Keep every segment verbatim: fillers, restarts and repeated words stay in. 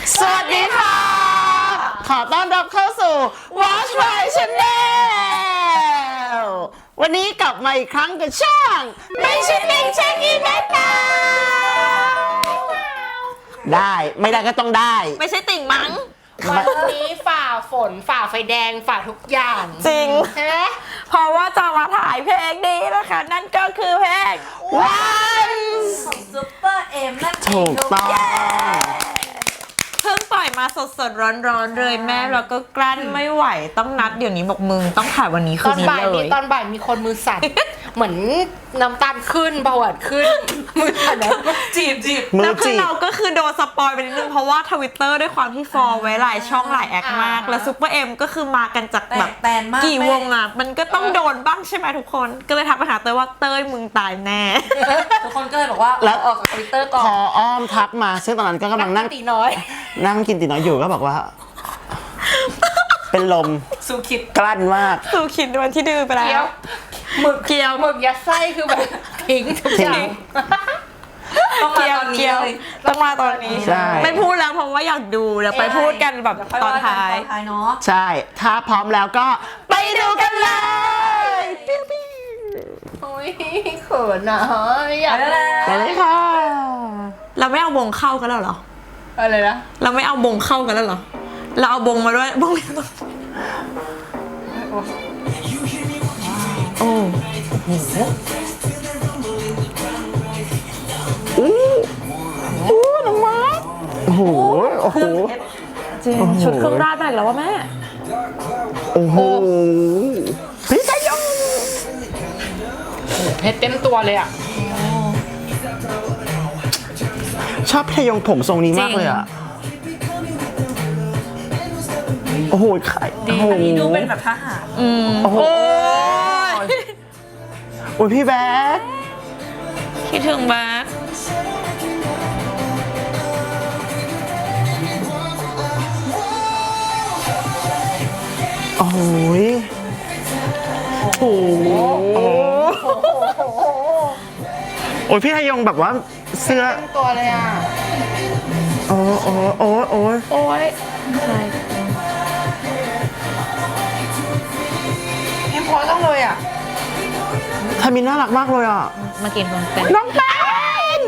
สวัสดีค่ะขอต้อนรับเข้าสู่ Watch My Channel วันนี้กลับมาอีกครั้งกับช่องไม่ใช่ลิงเช็คอินได้เปล่าได้ไม่ได้ก็ต้องได้ไม่ใช่ติ่งมั้งวันนี้ฝ่าฝนฝ่าไฟแดงฝ่าทุกอย่างจริงใช่ไหมเพราะว่าจะมาถ่ายเพลงนี้นะคะนั่นก็คือเพลง Once ของซุปเปอร์เอ็มนั่นเองถูกต้องเพิ่งปล่อยมาสดๆร้อนๆเลยแม่แล้วก็กลั้นไม่ไหวต้องนัดเดี๋ยวนี้บอกมึงต้องถ่ายวันนี้คืตนอนนี้บ่ายเลมียตอนบ่ายมีคนมือสั่น เหมือนน้ำตาลขึ้นเบาหวานขึ้นมือสั่นแล้วจีบจีบมืแล้อวคืจีอบ เราก็คือโดนสปอยไปนิดนึงเพราะว่าทวิตเตอร์ด้วยความที่ฟอลไว้หลายช่องหลายแอคมากแล้วซุปเปอร์เอ็มก็คือมากันจากแตแบกบแตนมากกี่วงอ่ะมันก็ต้องโดนบ้างใช่ไหมทุกคนก็เลยทักไปหาเต้ยว่าเต้ยมึงตายแน่ทุกคนก็เลยบอกว่าแล้วออกจากทวิตเตอร์ก่อนพออ้อมทักมาซึ่งตอนนั้นก็กำลังนั่งตีน้อยนั่งกินตีน้อยอยู่ก็บอกว่า เป็นลมสูคิดกลั้นมากสู่ขิดวันที่ดื้อไปแล้เกี๊ยว วหมึกเกี๊ยวหมึกยัดไส้คือแบบทิ้งทุกอย่างต้องมาเกียวตอนนี้เกียวเลยต้องมาตอนนี้ใช่ไม่พูดแล้วเพราะว่าอยากดูเดี๋ยวไปพูดกันแบบเดี๋ยวค่ตอนว่กัท้ายตอนท้ายเนาะใช่ ถ้าพร้อมแล้วก็ไปดูกันเลยโอ้ยเขินอ่ะอยากไปแล้วไปเลยค่ะเราไม่เอาบงเข้ากันแล้วเหรออะไรนะเราไม่เอาบงเข้ากันแล้วเหรอเราเอาบงมาด้วยบงโอ้โหอู้อู้น้องมาโอ้โหโอ้โหจริงชุดเครื่องราชแบกแล้วว่าแม่โอ้โหพี่ชายยงเพชรเต็มตัวเลยอ่ะชอบพี่ชายยงผมทรงนี้มากเลยอ่ะโอ้โหไข่โอ้โหอันนี้ดูเป็นแบบทหารอืมโอ้โหโอ้ยโอ้ยพี่แบ๊กคิดถึงแบ๊กโอ้ยโอ้โหโอ้ยพี่ชายยงแบบว่าเสื้อเต็มตัวเลยอ่ะโอ้โอ้โอ้โอ้ยโอ้ยใช่ยังพอต้องเลยอ่ะทามินน่ารักมากเลยอ่ะมากินคนเต้นน้องแป้น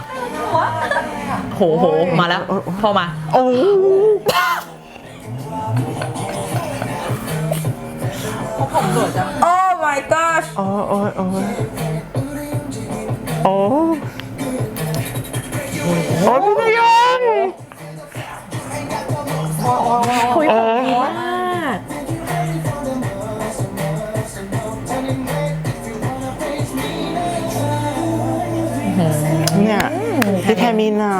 โหโหมาแล้วพอมาโอ้ผมสวยจังโอ้ my god โอ้โอ้โอ้โอ้โอ้พี่ชายยงคุยโอ้ดีมากเนี่ยพี่แทมินอ่ะ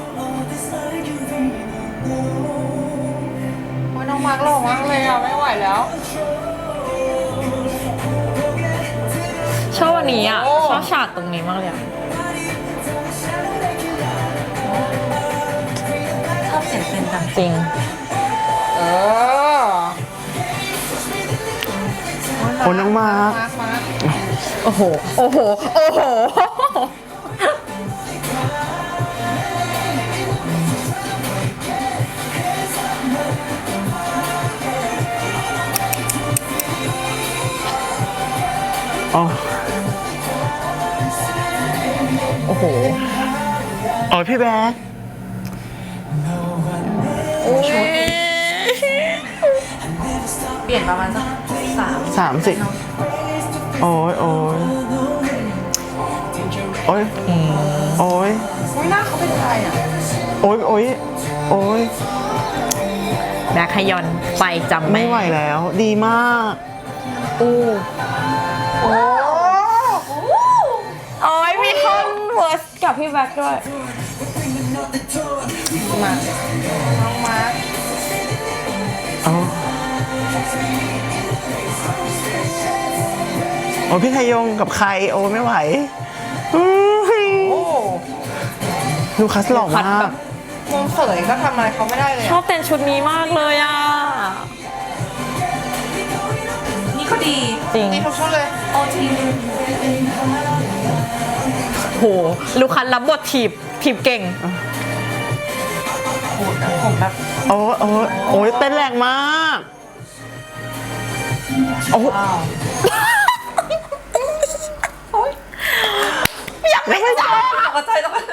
โอ้ยน้องมาร์กหล่อมากเลยอ่ะไม่ไหวแล้วชอบวันนี้อ่ะโอ้ชอบฉากตรงนี้มากเลยอ่ะชอบเสียงเป็นจังจริงเออโอ้น้องมาร์คมาร์กมาร์กโอ้โห โอ้โห โอ้โหโอ้โอ้โหโอ้พี่แบ๊กโอ้ยเปลี่ยนประมาณสักสามสามสิบโอ้ยโอ้ยโอ้ยโอ้ยโอ้ยหน้าเขาเป็นใครอ่ะโอ้ยโอ้ยโอ้ยแบคขยอนไปจำไม่ไหวแล้ว ดีมากอู้โอ้โอ้ยมีท่อนเวิร์สกับพี่แบ็คด้วยมาน้องมาร์กโอ้โอ้พี่ไทยยงกับใครโอ้ไม่ไหวอื้อโอ้ลูคัสหล่อคัสมาแบกบมุมเสยก็ทำอะไรเขาไม่ได้เลยชอบเต้นชุดนี้มากเลยอ่ะนี่ก็ดีจริงนี่ทุกชุดเลยโอทีโหลูคันรับบทถีบถีบเก่งขูดอะผมแบบโอ้โอ้โอ้ยเต้นแรงมากโอ้ว้าวอยากไม่ได้ตกใจตกใจ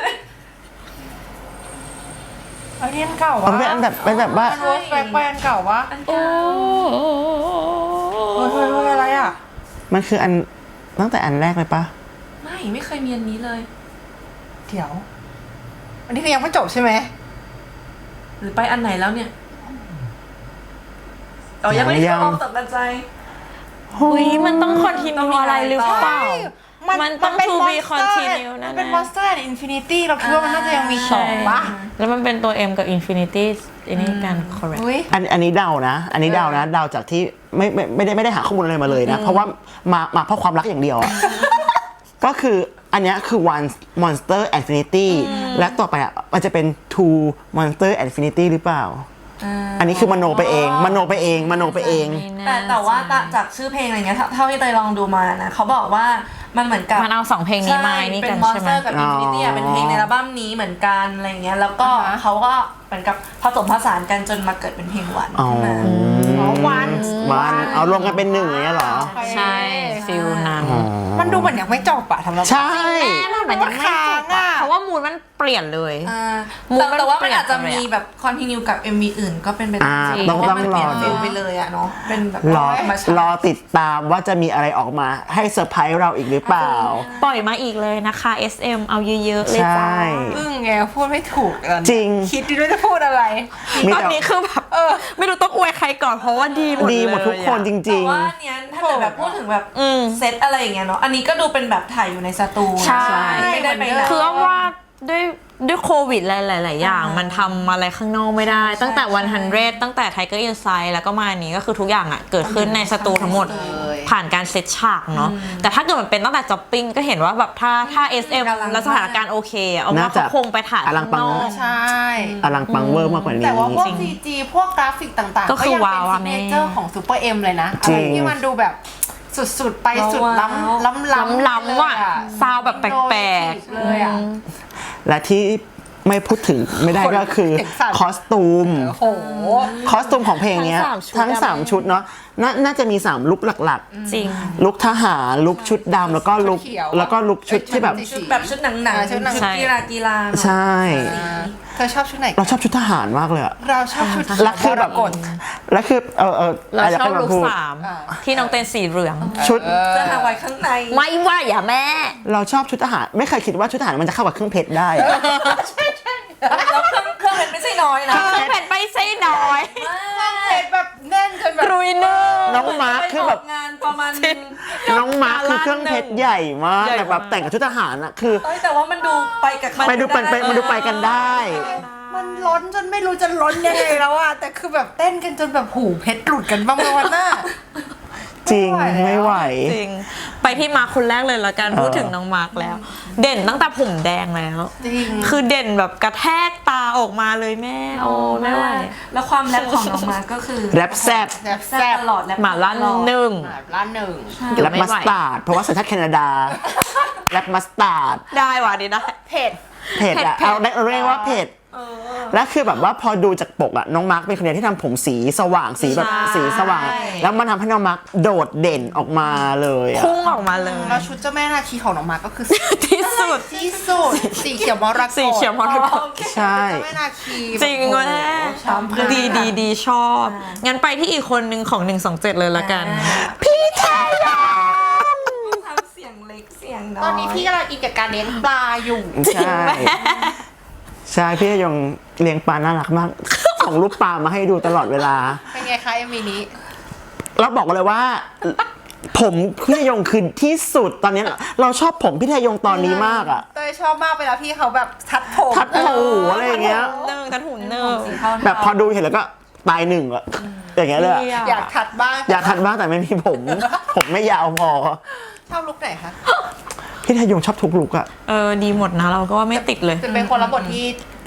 อันนี้อันเก่ามัวะนเป็นอันแบบเป็นแบบว่ามันเวิร์สแบ็คไปอันเก่าวะอันโอ้เฮ้ยเฮ้ยเฮ้ยอะไรอ่ะมันคืออันตั้งแต่อันแรกเลยปะไม่ไม่เคยมีอันนี้เลยเดี๋ยว อันนี้คือยังไม่จบใช่ไหมหรือไปอันไหนแล้วเนี่ยอ๋อยังไม่ได้เข้าตกใจเฮ้ยมันต้องคอนติเนียอะไรหรือเปล่า มันต้องเป็ to be Monster continue มันั่นนเป็นนะ Monster and Infinity เราคิดว่ามันน่าจะยังมีสองปะแล้วมันเป็นตัว M กับ Infinity อันนี้กัน correct อุ้ยอันอันนี้เดานะ อันนี้เดานะเดาจากที่ไม่ไม่ไม่ได้ไม่ได้หาข้อมูลอะไรมาเลยนะ เพราะว่ามามาเพราะความรักอย่างเดียวอะ ก็คืออันเนี้ยคือ one monster infinity และต่อไปอ่ะมันจะเป็น two monster infinity หรือเปล่า อันนี้คือมโนไปเอง มโนไปเองมโนไปเองแต่แต่ว่าจากชื่อเพลงอะไรเงี้ยเท่าที่เตยลองดูมานะเขาบอกว่ามันเหมือนกับมันเอาสองเพลงนี้มานี่เป็กันนใช่ไหม Monster กับ Infinity อ่ะเป็นเพลงในอัลบั้มนี้เหมือนกันอะไรเงี้ยแล้วก็เขาก็เหมือนกับผสมผสานกันจนมาเกิดเป็นเพลงหวานอ๋อขึ้นมาอ๋อวันวันเอารวมกันเป็นหนึ่งอย่างเงี้ยเหรอใช่ฟิลนั้นอ๋อมันดูเหมือนยังไม่จบอะทำเราใช่แม่มันยังไม่จบอะเพราะว่ามูดมันเปลี่ยนเลยอ่ามูดแต่มันแต่ว่ามันเปลี่ยนอาจจะไปเลยอะมีแบบคอนติเนียกับ เอ็ม วี อื่นก็เป็นไปได้อ่าจริงต้องเพราะว่ามันต้องเปลี่ยนรอดูฟิลไปเลยอะเนาะเป็นแบบรอธรรมชารอติติดตามว่าจะมีอะไรออกมาให้เซอร์ไพรส์เราอีกหรือเปล่าปล่อยมาอีกเลยนะคะ เอส เอ็ม เอาเยอะๆเลยใช่จ้าอึ้งไงพูดไม่ถูกกันจริงคิดดิด้วยจะพูดอะไรมีตอนแต่นี้คือแบบเออ ไม่รู้ต้องอวยใครก่อนเพราะว่าดีหมดดีหมดทุกคนเลยอะจแต่ริงว่าอันเนี้ยถ้าเกิดแบบพูดถึงแบบอืมเซตอะไรอย่างเงี้ยเนาะอันนี้ก็ดูเป็นแบบถ่ายอยู่ในสตูนะใช่ไม่ได้ไปไหนคือว่าด้วยด้วยโควิดหลาย ๆ อย่าง มันทำอะไรข้างนอกไม่ได้ ตั้งแต่วันฮันเดตั้งแต่ Tiger Inside แล้วก็มาอันนี้ก็คือทุกอย่างอ่ะ เกิดขึ้นในสตูทั้งหมด ผ่านการเซตฉากเนาะแต่ถ้าเกิดมันเป็นตั้งแต่จ็อปปิ้งก็เห็นว่าแบบถ้าถ้า เอส เอ็ม แล้วสถานการณ์โอเคอะเอาว่าน่าจะเขาคงไปถ่ายอลังข้างปังนอกใช่ๆอลังปังเวอร์มากกว่านี้แต่ว่าพวก ซี จี พวกกราฟิกต่างๆก็คือยังว้าวเป็นอะซิแม่เนเจอร์ของซูเปอร์เอ็มเลยนะจอะริไรง ที่มันดูแบบสุดๆ ไปสุดล้ำล้ำล้ำล้ำๆว่ะซาวแบบแปลกๆเลยอ่ะและที่ไม่พูดถึงไม่ได้ก็คือเห็นสัตว์คอสตูมโอ้โหคอสตูมของเพลงเนี้ยทั้งสามชุดทั้ง 3 ชุดเนาะนาน่าจะมี 3 ลุคหลักจริงๆ ลุคทหาร ลุคชุดดำแล้วก็ลุคชุดเขียวแล้วก็ลุคชุดที่แบบชุดแบบชุดหนังหนังอ่าชุดหนังชุดกีฬากีฬาเนอะใช่เธอชอบชุดไหนเราชอบชุดทหารมากเลยอะเราชอบชุดแล้วคือแบบมรกตแล้วคือเออเออเราอะไรชอบกันมาลุคพูดสามที่น้องเต้นสีเหลืองชุดเสื้อฮาวายข้างในไม่ว่าอย่าแม่เราชอบชุดทหารไม่เคยคิดว่าชุดทหารมันจะเข้ากับเครื่องเพชรได้อะแล้วเครื่องเครื่องเป็นไม่ใช่น้อยนะเครื่องเพชรไม่ใช่น้อยเห็นแบบแน่นจนแบบกรุยเนอร์น้องมาร์คคือแบบไปกงานประมาณนึงน้องมาร์คคือเครื่องเพชรใหญ่มากใหญ่แต่แบบมากแต่งกับชุดทหารอะคือเอ้ยแต่ว่ามันดูไปกับเขาไปดูไปไปมันดูไปกันได้มันล้นจนไม่รู้จะล้นยังไงแล้วอะแต่คือแบบเต้นกันจนแบบหูเพชรหลุดกันบ้างไหมวันหน้าจริงไม่ไม่ไหไหววจริง ไปที่มาร์คคนแรกเลยละกันเออพูดถึงน้องมาร์คแล้ว เด่นตั้งแต่ผมแดงแล้วจริงคือเด่นแบบกระแทกตาออกมาเลยแม่ โอ้ไม่ไหวแล้วความแรปของน้องมาก็คือแรปแซ่บแบบแซ่แซ่บบ ตลอดแรปหมาลั่นหนึ่งแบบล้านหนึ่งเดี๋ยวแรปไม่มัไหวสตาร์ดเพราะว่าสัญชาติแคนาดาแรปมัสตาร์ดได้ว่ะดีได้เผ็ดเผ็ดอะเผ็ดเอาได้เรียกว่าเผ็ดและคือแบบว่าพอดูจากปกอะน้องมาร์คเป็นคนเดียวที่ทำผมสีสว่างสีแบบใช่สีสว่าง แล้วมันทำให้น้องมาร์คโดดเด่นออกมาเลยอะพุ่งออกมาเลยแล้วชุดเจ้าแม่นาคีของน้องมาก็คือที่สุดที่สุดสีเขียวมรกตสีเขียวมรกตใช่เจ้าแม่นาคีจริงโอ้วะโหแม่ช้ำมากดีดีดีชอบ งั้นไปที่อีกคนหนึ่งของหนึ่งสองเจ็ดเลยละกันพี่ไทยองทำเสียงเล็กเสียงน้อยตอนนี้พี่กำลังอินกับการเลี้ยงปลาอยู่ใช่ใช่พี่ไทยองเลี้ยงปลาน่ารักมากส่งรูปปลามาให้ดูตลอดเวลาเป็นไงคะเอ็มวีนี้แล้วบอกเลยว่า ผมพี่ไทยองคือที่สุดตอนนี้เราชอบผมพี่ไทยองตอนนี้มากอะเต้ยชอบมากเวลาพี่เขาแบบทัดผมทัดหูอะไรอย่างเงี้ยหนึ่งกระถุนหนึ่งสีเทาๆแบบพอดูเห็นแล้วก็ตายหนึ่งอะอย่างเงี้ยเลยอะอยากทัดบ้างอยากทันบ้างแต่ไม่มีผม ผมไม่ยาวพอชอบลุกไหนคะพี่ไทยงชอบทุกลุกอะเออดีหมดนะเราก็ว่าไม่ติดเลยจะเป็นคนรับบทที่เพ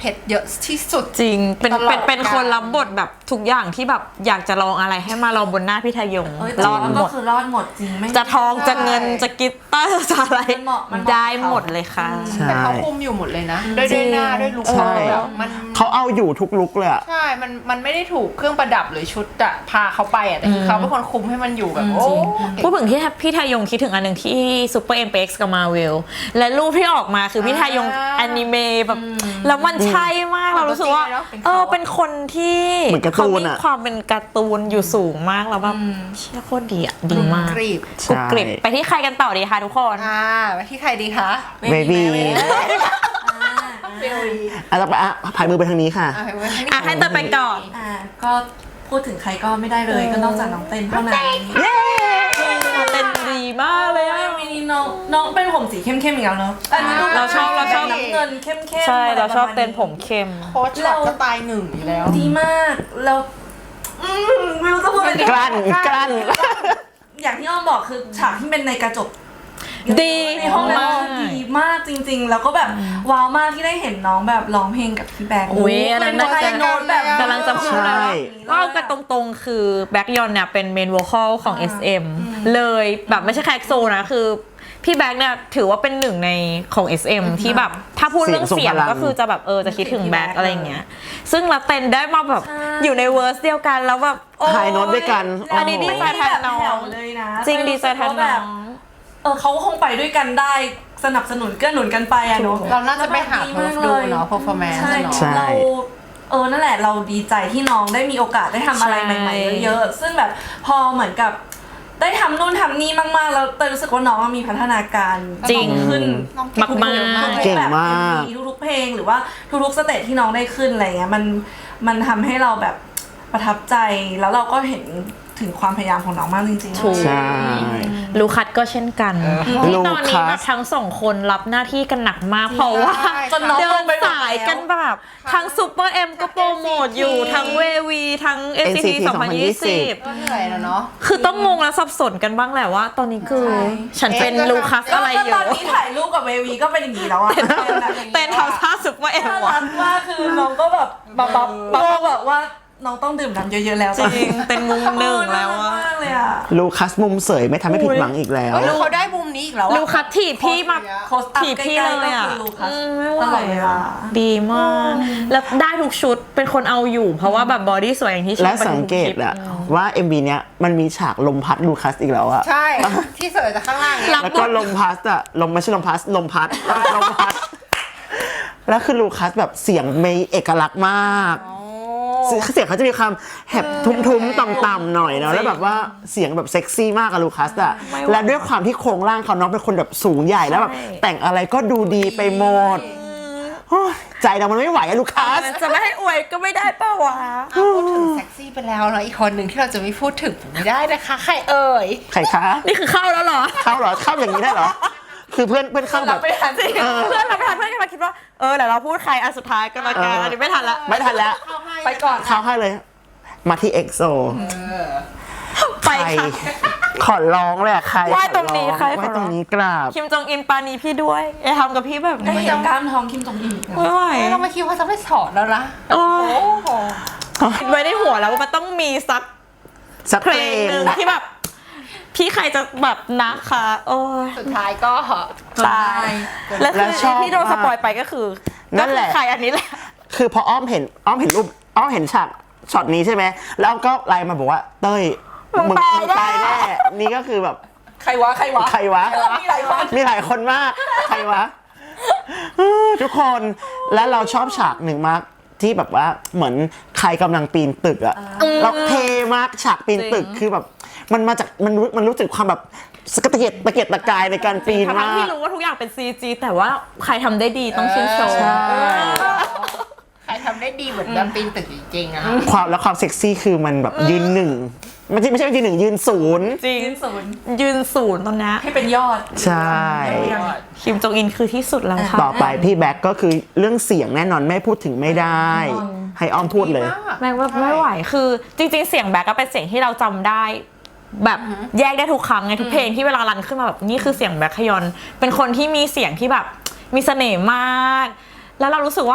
เพชรเยอะที่สุดจริงเป็นตลอดเป็นเป็นกาลคนรับบทแบบทุกอย่างที่แบบอยากจะลองอะไรให้มาลองบนหน้าพี่ทยงเอ้ยรอดหมก็ดคือรอดหมดจริงไม่จะทองจะเงินจะกีตาร์จะอะไรมันเหมาะมันเหมาะได้หมดเลยค่ะใช่แต่เขาคุมอยู่หมดเลยนะด้วยด้วยหน้าด้วยลุคใช่แบบมันเขาเอาอยู่ทุกลุกเลยอะใช่ มัน มันไม่ได้ถูกเครื่องประดับหรือชุดอะพาเขาไปอะแต่คือเขาเป็นคนคุมให้มันอยู่แบบโอ้พูดถึงที่พี่ทยงคิดถึงอันหนึ่งที่ซูเปอร์เอ็มเอ็กซ์กับมาเวลและรูปที่ออกมาคือพี่ทยงแอนิเมะแบบแล้วมันใช่มากเรารู้สึกว่าเออเป็นคนที่เหมือนการ์ตูเขานมีอะความเป็นการ์ตูนอยู่สูงมากแล้วแบบเชี่ยโคตรดีอ่ะดีมากกรีบกรุบกริบไปที่ใครกันต่อดีคะทุกคนอ่าไปที่ใครดีคะเบบีเบลลีอ่ะต่อไปอ่ะผายมือไปทางนี้ค่ะอ่ะไปไว้อ่ะให้เติมไปก่อนอ่าก็พูดถึงใครก็ไม่ได้เลยก็นอกจากน้องเต้นเท่านั้นเต้นดีมากเลยอ่ะมินิน้องน้องเป็นผมสีเข้มๆอีกแล้วเนาะอันนี้ดูเราชอบเราชอบน้ำเงินเข้มๆใช่เราชอบะไประมณเต้นผมเข้มโค้ชช็อตก็ตายหนึ่งอยู่แล้วดีมากแล้วอืมไม่รู้จะพูดอะไรดีกลั้นกลั้นอย่างที่อ้อมบอกคือฉากที่เป็นในกระจกดีในห้องนั้นมากคือดีมากจริง ๆ แล้วก็แบบว้าวมากที่ได้เห็นน้องแบบร้องเพลงกับพี่แบงค์อุ๊ยอันนั้นน่าจะโน้ตแบบกำลังจะพูดใช่แล้วว่ากันตรงๆ คือแบ็กยอนเนี่ยเป็นเมนโวคอลของ เอส เอ็ม เลยแบบไม่ใช่แค่ เอ็กโซ นะคือพี่แบ็กเนี่ยถือว่าเป็นหนึ่งในของ เอส เอ็ม ที่แบบถ้าพูดเรื่องเสียงเสียงทรงพลังก็คือจะแบบเออจะคิดถึงแบ็กอะไรอย่างเงี้ยซึ่งเราเต้นได้มาแบบอยู่ในเวอร์สเดียวกันแล้วแบบโอ้ถ่ายโน้ตด้วยกันอันนี้ดีไซน์แทนน้องแบบแผ่วเลยนะจริงดีไซน์แทนน้องเออเขาก็คงไปด้วยกันได้สนับสนุนเกื้อหนุนกันไปอะเนาะเราน่าจะไปหาเพิร์ฟดูเนาะ performance ใช่เนาะใช่เราเออนั่นแหละเราดีใจที่น้องได้มีโอกาสได้ทำอะไรใหม่ๆเยอะๆซึ่งแบบพอเหมือนกับได้ทำนู่นทำนี่มากๆแล้วแต่รู้สึกว่าน้องมีพัฒนาการจริงขึ้นน้องเก่งมากๆเก่งมากแบบ ทุกๆเพลงหรือว่าทุกๆสเตจที่น้องได้ขึ้นอะไรเงี้ยมันมันทำให้เราแบบประทับใจแล้วเราก็เห็นถึงความพยายามของน้องมากจริงๆถูกใช่ลูคัสก็เช่นกันที่ลูตอนนี้คัสแบบทั้งสองคนรับหน้าที่กันหนักมากเพราะว่าจนน้องเดิลนงไปหมดสายกันแบบทั้งซูเปอร์เอ็มก็โปรโมทอยู่ทั้งเววีทั้ง เอส ซี ที สองพันยี่สิบก็เหนื่อยแล้วเนาะคือต้องงงและสับสนกันบ้างแหละว่า ตอนนี้คือ ฉันเป็นเอ๊ะลูคัสอะไรอก็ยู่ตอนนี้ถ่ายรูปกับเววีก็เป็นอย่างนี้แล้วอะเต้นทำท่าซูเปอร์เอ็มน่าว่ะรักมากคือน้องก็แบบบับบับบับแบบว่าน้องต้องดื่มน้ำเยอะๆแล้วจริงเป็นมุมหนึ่งแล้วน่าอะรักมากเลยอะลูคัสมุมเสยไม่ทำให้ผิดหวังอีกแล้วเฮ้ยเขาได้มุมนี้อีกแล้วอะลูคัสถีบพี่มาโคสอัพถีบพี่เลยอ่ะใกล้ๆก็คือลูคัสอืมไม่ไหวตลอดเวลาดีมาก แล้วได้ทุกชุดเป็นคนเอาอยู่ เพราะว่าแบบบอดี้สวยอย่างที่ชอบและไปทุสังเกตคลิปอะว่า เอ็ม วี เนี้ยมันมีฉากลมพัดลูคัสอีกแล้วอะใช่ ที่เสิร์ฟจากข้างล่างเนี่ยรับแล้วก็ลมพัดอะลมไม่ใช่ลมพัดลมพัดลมพัด แล้วคือลูคัสแบบเสียงมีเอกลักษณ์มากเสียงเสียงเขาจะมีความแหบทุ้มๆต่ำๆหน่อยเนาะแล้วแบบว่าเสียงแบบเซ็กซี่มากอะลูคัสอะและด้วยความที่โครงร่างเขาน้องเป็นคนแบบสูงใหญ่แล้วแบบแต่งอะไรก็ดูดีไปหมดโอ้ยใจเรามันไม่ไหวอะลูคัสจะไม่ให้อวยก็ไม่ได้ป่าวะพูดถึงเซ็กซี่ไปแล้วเนาะอีกคนหนึ่งที่เราจะไม่พูดถึงไม่ได้นะคะ ใครเอ่ยใครคะนี่คือเข้าแล้วเหรอเข้าเหรอเข้าอย่างนี้ได้เหรอคือเพื่อนเพื่อนเข้าแบบไม่ทันสิเพื่อนเราไม่ทันเพื่อนกำลังคิดว่าเออเดี๋ยวเราพูดใครอันสุดท้ายก็แล้วกันอันนี้ไม่ทันละไม่ทันแล้วไปก่อนเข้าให้เลย มาที่เอ็กโซไปใครค่ะขอร้องเลยอะใครไหว้ตรงนี้ขอใครไหว้ขอร้องตรงนี้กราบคิมจองอินปานีพี่ด้วยอย่าทำกับพี่แบบได้นี้เห็นกล้ามท้องคิมจงอินอีกแล้วไม่ไหวเราไม่คิดว่าจะไม่สอนแล้วนะโอ้โอ้โหคิดไว้ในหัวแล้วว่ามันต้องมีสักสักเพเพลลงงหนึ่งที่แบบ พี่ใครจะแบบนะคะโอ้ยสุดท้ายก็ตายแล้วคือแล้วชอบที่โดนมากสปอยไปก็คือนั่นแหละก็คือใครอันนี้แหละคือพออ้อมเห็นอ้อมเห็นรูปอ้อมเห็นฉากช็อตนี้ใช่ไหมแล้วอ้อมก็ไลน์มาบอกว่าเต้ยมึงมึงตายมึงตายแน่นี่ก็คือแบบใครวะใครวะใครวะมีหลายคนมีหลายคนมาก ใครวะอื้อทุกคนและเราชอบฉากหนึ่งมากที่แบบว่าเหมือนใครกำลังปีนตึกอะเราเทมากฉากปีนตึกจริงคือแบบมันมาจากมันรู้มันรู้สึกความแบบสกตะเกียกตะเกียกตะกายในการปีนทั้มางๆที่กรู้ว่าทุกอย่างเป็น ซี จี แต่ว่าใครทำได้ดีต้องชื่นชมใช่ใครทำได้ดีเหมือนแบบปีนตึกจริงๆอะความแล้วความเซ็กซี่คือมันแบบยืนหนึ่งไม่ใช่ไม่ใช่ยืนหนึ่งยืนศูนย์จริงยืนศูนย์ยืนศูนย์ตอนนี้ให้เป็นยอดใช่คิมจองอินคือที่สุดแล้วค่ะต่อไปพี่แบ็คก็คือเรื่องเสียงแน่นอนไม่พูดถึงไม่ได้ ให้อ้อมพูดเลยแม่งว่าไม่ไหวคือจริงๆเสียงแบ็กก็เป็นเสียงที่เราจำได้ แบบแยกได้ทุกครั้งไงทุกเพลงที่เวลารันขึ้นมาแบบนี่คือเสียงแบ็คฮยอนเป็นคนที่มีเสียงที่แบบมีเสน่ห์มาก แล้วเรารู้สึกว่า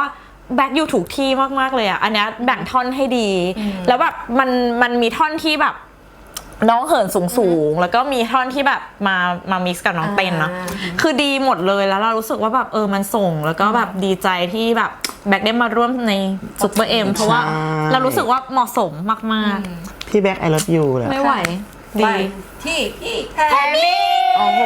แบ็คอยู่ถูกที่มากๆเลยอ่ะอันเนี้ยแบ่งท่อนให้ดี แล้วแบบมันมันมีท่อนที่แบบน้องเหินสูงสูงแล้วก็มีท่อนที่แบบมามามิกซ์กับน้องเต้นเนาะคือดีหมดเลยแล้วเรารู้สึกว่าแบบเออมันส่งแล้วก็แบบดีใจที่แบบแบ็คได้มาร่วมในซุปเปอร์เอ็มเพราะว่าเรารู้สึกว่าเหมาะสมมากๆพี่แบ็คไอร v ยูเลยไม่ไหวไปดีที่พี่แทมมี่โอ้โห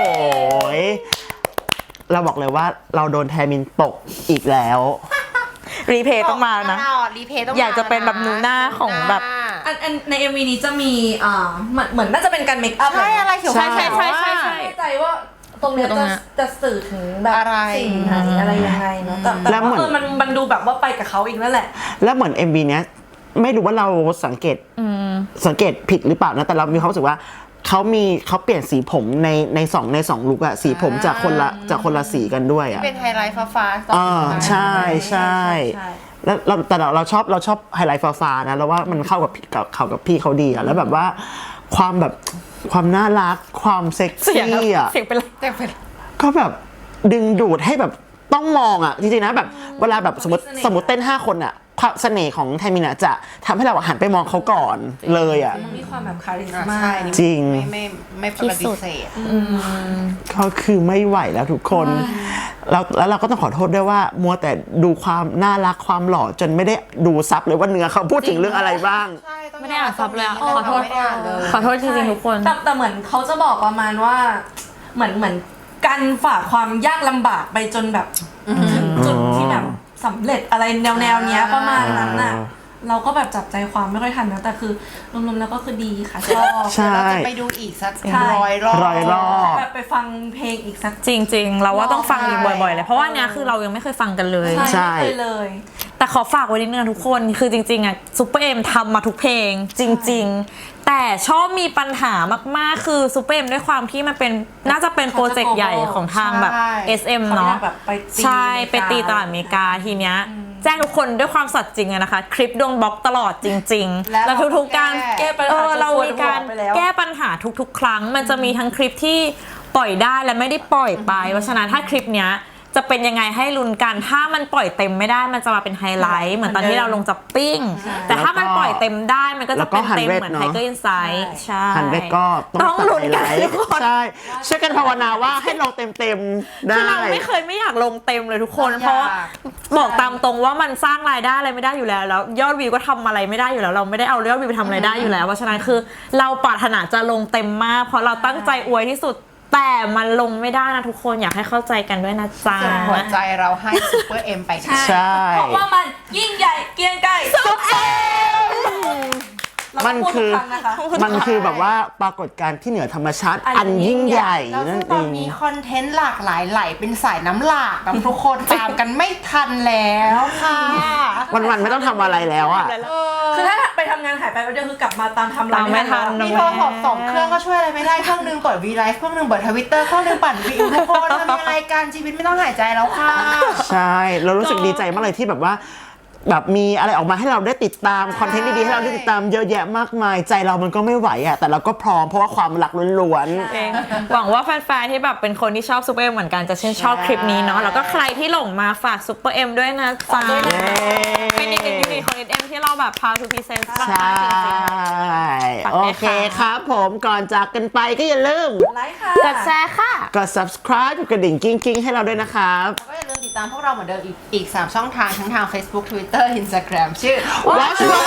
เราบอกเลยว่าเราโดนแทมินตกอีกแล้วรีเพย์ต้องมานะรีเพย์ต้องอยากจะเป็นแบบนูน่าของแบบอันอันใน เอ็ม วี นี้จะมีอ่าเหมือนเหมือนน่าจะเป็นการเมคอัพใช่อะไรเขียวใช่ใช่ใช่ใช่ใช่ไม่แน่ใจว่าตรงเนี้ยตรงจะเนี้ยจะสื่อถึงแบบอะไรสิ่งไหนอะไรยังไงเนาะแต่แต่แล้วเหมืว่าอนเออมันมันดูแบบว่าไปกับเขาอีกนั่นแหละแล้วเหมือน เอ็ม วี เนี้ยไม่รู้ว่าเราสังเกตสังเกตผิดหรือเปล่านะแต่เรามีความรู้สึกว่าเขามีเขาเปลี่ยนสีผมในในสองในสองลุคอะสีผมจากคนละจากคนละสีกันด้วยอะเป็นไฮไลท์ฟ้าๆอ่าใช่ใช่ใช่แล้วเราแต่เราเราชอบเราชอบไฮไลท์ฟ้าๆนะเราว่ามันเข้ากับกับเข้ากับพี่เขาดีอะแล้วแบบว่าความแบบความน่ารักความเซ็กเสียงซี่อะเสียงเป็นไรแต่เป็นก็แบบดึงดูดให้แบบต้องมองอะจริงๆนะแบบเวลาแบบสมมติสมมติเต้นห้าคนอะความเสน่ห์ของไทมินะจะทำให้เราหันไปมองเขาก่อนเลยอะมันมีความแบบคาริสอ่ะมาใช่นี่จริงไม่ไม่ไม่ปฏิเสธก็คือไม่ไหวแล้วทุกคนเราแล้วเราก็ต้องขอโทษด้วยว่ามัวแต่ดูความน่ารักความหล่อจนไม่ได้ดูซับเลยว่าเนื้อเขาพูดถึงเรื่องอะไรบ้างใช่ต้องไม่ได้อ่านซับเลยอะขอโทษขอโทษไม่ได้อ่านเลยขอโทษจริงๆทุกคนแต่แต่เหมือนเขาจะบอกประมาณว่าเหมือนเหมือนการฝ่าความยากลำบากไปจนแบบถึงจุดที่แบบสำเร็จอะไรแนวแนวๆเนี้ยประมาณนั้นน่ะอ่าเราก็แบบจับใจความไม่ค่อยทันนะแต่คือรวมๆแล้วก็คือดีค่ะชอบใช่เราจะไปดูอีกสักใช่ร้อยรอบร้อยรอบแบบไปฟังเพลงอีกสักจริงๆ เราว่าต้องฟังอีกบ่อยๆเลยเพราะว่าเนี้ยคือเรายังไม่เคยฟังกันเลยใช่ไม่เคยเลยแต่ขอฝากไว้นิดนึงนะทุกคนคือจริงๆอ่ะซูเปอร์เอ็มทำมาทุกเพลงจริงๆ แต่ชอบมีปัญหามากๆคือซูเปอร์เอ็มด้วยความที่มันเป็นน่าจะเป็นโปรเจกต์ใหญ่ของทางแบบใช่เอส เอ็มเขาเนาะอยากแบบไปตีใช่อเมริกาไปตีตลาดอเมริกาทีเนี้ยแจ้งทุกคนด้วยความสัตย์จริงอะนะคะ คลิปโดนบล็อกตลอดจริงๆแล้วแล้วทุกๆการแก้แก้ปัญเอหาอเรามีการไปแล้วแก้ปัญหาทุกๆ ครั้ง มันจะมีทั้งคลิปที่ปล่อยได้และไม่ได้ปล่อยไปเพราะฉะนั้นถ้าคลิปเนี้ยจะเป็นยังไงให้ลุ้นกันถ้ามันปล่อยเต็มไม่ได้มันจะมาเป็นไฮไลท์เหมือนตอนที่เราลงจับปิ้ง แต่ถ้ามันปล่อยเต็มได้มันก็จะเป็นเต็มเหมือนไทเกอร์อินไซด์ใช่หันไปก็ต้ต้ออง งลุ้นกันตัดไฮไลทุท์กคนใช่ช่วยกันภาวนาว่าให้ลงเต็มๆได้คือเราไม่เคยไม่อยากลงเต็มเลยทุกคนอยากเพราะว่าบอกตามตรงว่ามันสร้างรายได้อะไรไม่ได้อยู่แล้วแล้วยอดวิวก็ทำอะไรไม่ได้อยู่แล้ว เราไม่ได้เอายอดวิวไปทำอะไรได้อยู่แล้วเพราะฉะนั้นคือเราปรารถนาจะลงเต็มมาก เพราะเราตั้งใจอวยที่สุดแต่มันลงไม่ได้นะทุกคนอยากให้เข้าใจกันด้วยนะจ๊ะส่งหัวใจเราให้ซูเปอร์เอ็มไปค่ะใช่เพราะว่ามันยิ่งใหญ่เกรียงไกรสุดเอ็มมันคือเราก็พูดทุกรั้งนะคะมันคือแบบว่าปรากฏการณ์ที่เหนือธรรมชาติอันยิ่งใหญ่แล้วนั่ซึ่นงเอตอนงนี้คอนเทนต์หลากหลายไหลเป็นสายน้ำหลากกับทุกคนตามกันไม่ทันแล้วค่ะวันๆไม่ต้องทำอะไรแล้วอ่ะคือถ้าไปทำงานหายไปแล้วเดียวคือกลับมาตามทำตามไม่ทันมีโทรศัพท์สองเครื่องก็ช่วยอะไรไม่ได้เครื่องหนึงเปิดวีไลฟ์เครื่องหนึงเปิดทวิตเตอร์เครื่องหนึงปั่นวิวทุกคนทำอะไรกันชีวิตไม่ต้องหายใจแล้วค่ะใช่เรารู้สึกดีใจมากเลยที่แบบว่าแบบมีอะไรออกมาให้เราได้ติดตามคอนเทนต์ดีๆให้เราได้ติดตามเยอะแยะมากมายใจเรามันก็ไม่ไหวอ่ะแต่เราก็พร้อมเพราะว่าความรักล้วนเองหวังว่าแฟนๆที่แบบเป็นคนที่ชอบซูเปอร์เอ็มเหมือนกันจะชื่นชอบคลิปนี้เนาะแล้วก็ใครที่หลงมาฝากซูเปอร์เอ็มด้วยนะจ๊ะๆเย้เป็นอีกหนึ่งยูนิตของ เอส เอ็ม ที่เราแบบ proud to present มากใช่ๆจริง ฝากโอด้วยเคค่ะครับผมก่อนจากกันไปก็อย่าลืมไลค์ค่ะๆกดแชร์ค่ะกด subscribe กดกระดิ่งกิ้งกิ้งๆให้เราด้วยนะครับแล้วก็อย่าลืมติดตามพวกเราเหมือนเดิมอีกอีกสามช่องทางทั้งทาง Facebook Twitter Instagram ชื่อ Watch My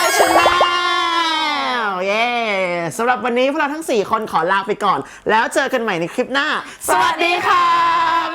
Channel เย้สำหรับวันนี้พวกเราทั้ง สี่ คนขอลาไปก่อน แล้วเจอกันใหม่ในคลิปหน้า สวัสดีค่ะ